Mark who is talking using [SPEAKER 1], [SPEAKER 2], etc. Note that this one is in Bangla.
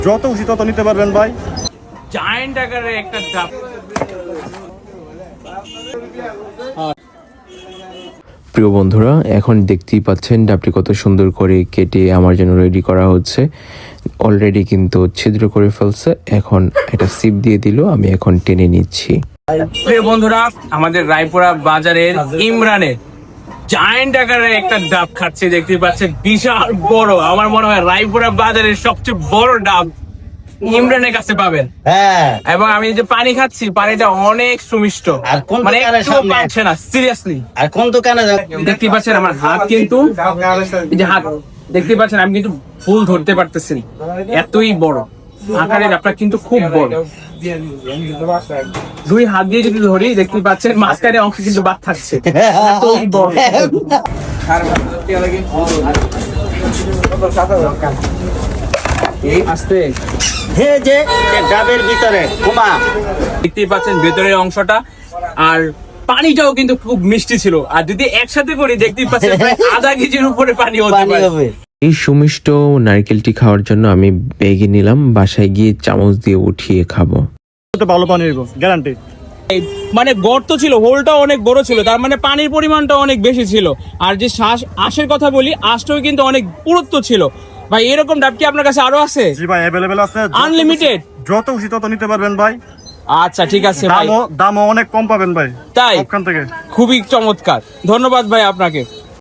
[SPEAKER 1] যত খুশি তত নিতে পারবেন ভাই।
[SPEAKER 2] জায়ান্ট আকারের একটা ডাব।
[SPEAKER 3] প্রিয় বন্ধুরা, এখন দেখতেই পাচ্ছেন ডাবটি কত সুন্দর করে কেটে আমার জন্য রেডি করা হচ্ছে। অলরেডি কিন্তু ছিদ্র করে ফেলছে, এখন একটা সিপ দিয়ে দিল, আমি এখন টেনে নিচ্ছি।
[SPEAKER 2] প্রিয় বন্ধুরা, আমাদের রায়পুরা বাজারের ইমরানের জায়ান্ট আকারের একটা ডাব খাচ্ছে, দেখতে পাচ্ছেন বিশাল বড়। আমার মনে হয় রায়পুরা বাজারের সবচেয়ে বড় ডাব ইমরানের কাছে পাবেন।
[SPEAKER 4] হ্যাঁ,
[SPEAKER 2] এবং আমি যে পানি খাচ্ছি, পানিটা অনেক সুমিষ্ট,
[SPEAKER 4] আর কোন
[SPEAKER 2] মানে
[SPEAKER 4] দোকানের
[SPEAKER 2] একটু
[SPEAKER 4] সামনে?
[SPEAKER 2] পাচ্ছে না সিরিয়াসলি।
[SPEAKER 4] আর কোন দোকানে
[SPEAKER 2] দেখতে পাচ্ছেন আমার হাত কিন্তু, এই যে হাত দেখতে পাচ্ছেন, আমি কিন্তু ফুল ধরতে পারতেছি না, এতই বড় আকারের ডাবটা কিন্তু খুব বড়। দুই হাত দিয়ে যদি ধরি, দেখতে পাচ্ছেন মাঝখানে অংশ কিন্তু বাদ থাকছে, এতই বড়। আস্তে
[SPEAKER 4] হে যে ডাবের ভিতরে কুমা
[SPEAKER 2] দেখতেই পাচ্ছেন ভেতরের অংশটা, আর পানিটাও কিন্তু খুব মিষ্টি ছিল। আর যদি একসাথে করি, দেখতেই পাচ্ছেন প্রায় আধা কেজির উপরে পানি হতে
[SPEAKER 4] পানি
[SPEAKER 2] পারে।
[SPEAKER 4] হবে।
[SPEAKER 3] এই সুমিষ্ট নারকেলটি খাওয়ার জন্য আমি ব্যাগে নিলাম, বাসায় গিয়ে চামচ দিয়ে উঠিয়ে খাবো।
[SPEAKER 1] ভালো পানি হইব গ্যারান্টি।
[SPEAKER 2] মানে গর্ত ছিল, হোলটা অনেক বড় ছিল, তার মানে পানির পরিমাণটা অনেক বেশি ছিল। আর যে আঁশের কথা বলি, আঁশটাও কিন্তু অনেক পুরুত্ব ছিল। ভাই এরকম ডাব কি আপনার কাছে আরো আছে?
[SPEAKER 1] জি ভাই, অ্যাভেলেবেল আছে,
[SPEAKER 2] আনলিমিটেড।
[SPEAKER 1] যত খুশি তত নিতে পারবেন ভাই।
[SPEAKER 2] আচ্ছা ঠিক আছে ভাই,
[SPEAKER 1] দামও অনেক কম পাবেন ভাই
[SPEAKER 2] তাই
[SPEAKER 1] ওখান থেকে।
[SPEAKER 2] খুবই চমৎকার, ধন্যবাদ ভাই আপনাকে।